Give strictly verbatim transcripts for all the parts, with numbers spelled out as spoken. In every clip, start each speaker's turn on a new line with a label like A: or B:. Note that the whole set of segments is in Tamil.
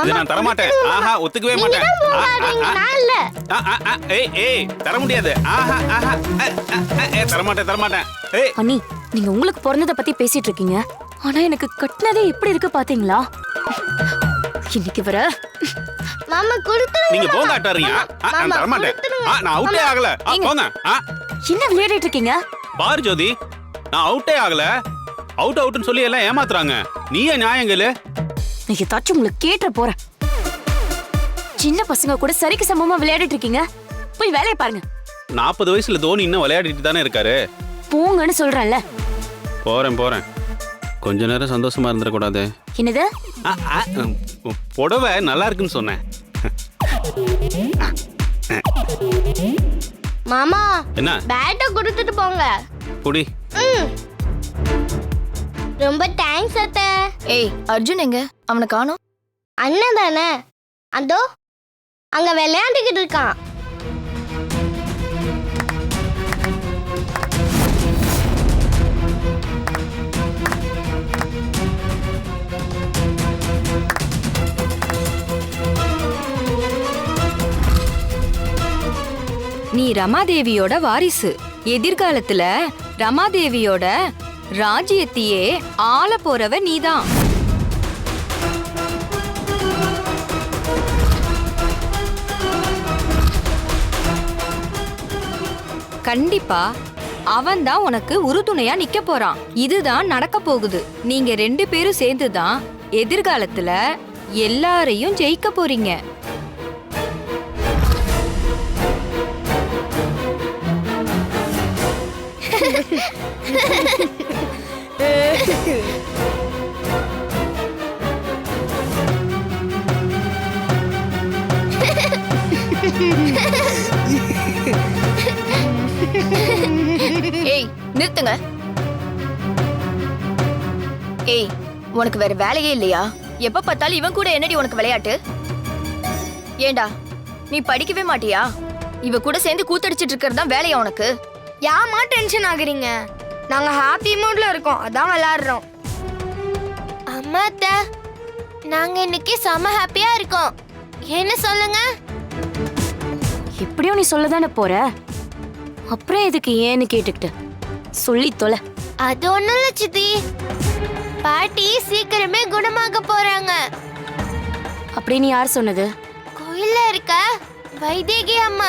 A: இது நான் தர மாட்டேன். ஆஹா ஒத்துக்கவே மாட்டேன்.
B: நான் இல்ல.
A: ஏய் ஏய் தர முடியாது. ஆஹா ஆஹா ஏய் தர மாட்டேன் தர மாட்டேன். ஏய்
C: அண்ணி, நீங்க உங்களுக்கு பிறந்தத பத்தி பேசிட்டு இருக்கீங்க. ஆனா எனக்கு கட்டினதே எப்படி இருக்கு பாத்தீங்களா? இன்னைக்கு வர
B: மாமா கொடுத்துருங்க.
A: நீங்க போங்க அட்டாரீங்க. நான் தர மாட்டேன். நான் அவுட்டே ஆகல. போங்க.
C: என்ன விளையாடிட்டு இருக்கீங்க?
A: பாரு ஜோதி, நான் அவுட்டே ஆகல. அவுட் அவுட்னு சொல்லி எல்லாம் ஏமாத்துறாங்க. நீயே நியாயங்களு.
C: நீ ஏதாச்சும் உங்களுக்கு கேட்ட போறேன். சின்ன பசங்க கூட சரிக்கு சமமா விளையாடிட்டு இருக்கீங்க. போய் வேலையை பாருங்க.
A: நாற்பது வயசுல தோனி இன்னும் விளையாடிட்டு தானே இருக்காரு.
C: போங்கன்னு சொல்றேன்ல.
A: போறேன் போறேன். கொஞ்ச நேரம் சந்தோஷமா இருந்துடக்கூடாது.
C: என்னது?
A: புடவை நல்லா இருக்குன்னு சொன்னேன்.
B: மாமா
A: என்ன?
B: பேட்டை கொடுத்துட்டு போங்க.
A: புடி.
B: ரொம்ப தேங்க்ஸ் அத்தை.
D: ஏய் அர்ஜுன் எங்க? அவனை காணோம்.
B: அண்ணன் தானே, அதோ அங்க விளையாண்டுக்கிட்டு இருக்கான்.
D: நீ ரமாதேவியோட வாரிசு. எதிர்காலத்துல ரமாதேவியோட ராஜ்யத்தையே ஆள போறவ நீதான். கண்டிப்பா அவன் தான் உனக்கு உறுதுணையா நிக்க போறான். இதுதான் நடக்க போகுது. நீங்க ரெண்டு பேரும் சேர்ந்துதான் எதிர்காலத்துல எல்லாரையும் ஜெயிக்க போறீங்க. ஏய் நிறுத்துங்க. ஏய் உனக்கு வேற வேலையே இல்லையா? எப்ப பார்த்தாலும் இவன் கூட என்னடி உனக்கு விளையாட்டு? ஏண்டா நீ படிக்கவே மாட்டியா? இவ கூட சேர்ந்து கூத்தடிச்சிட்டு இருக்கிறது தான் வேலையா உனக்கு?
B: யாமா டென்ஷன் ஆகுறீங்க? நாங்க ஹாப்பி மூட்ல இருக்கோம், அதான் விளையாடுறோம். அம்மா அத்தை, நாங்க இன்னைக்கு செம ஹாப்பியா இருக்கோம். என்ன சொல்லுங்க?
C: எப்படியோ நீ சொல்லதானே போற. அப்புறம் எதுக்கு ஏன்னு கேட்டுக்கிட்டு சொல்லி தொலை.
B: அது ஒண்ணும் இல்ல சித்தி, பாட்டி சீக்கிரமே குணமாக போறாங்க.
C: அப்படின்னு யார் சொன்னது?
B: கோயில்ல இருக்க வைதேகி அம்மா,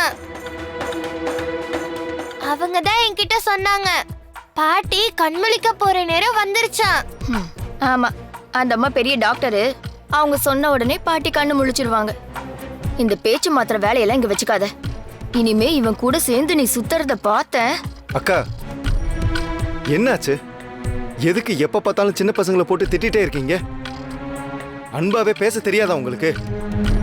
B: அவங்க தான் என்கிட்ட சொன்னாங்க. பாட்டி கண்முழிக்க போற நேரம் வந்துருச்சான்.
D: ஆமா, அந்த அம்மா பெரிய டாக்டரு. அவங்க சொன்ன உடனே பாட்டி கண்ணு முழிச்சிருவாங்க. இந்த பேச்சு மாத்திர வேலையெல்லாம் இங்க வச்சுக்காத. இனிமே இவன் கூட சேர்ந்து நீ சுத்துறத பார்த்த.
E: அக்கா என்னாச்சு? எதுக்கு எப்ப பார்த்தாலும் சின்ன பசங்களை போட்டு திட்டிட்டே இருக்கீங்க? அன்பாவே பேச தெரியாதா உங்களுக்கு?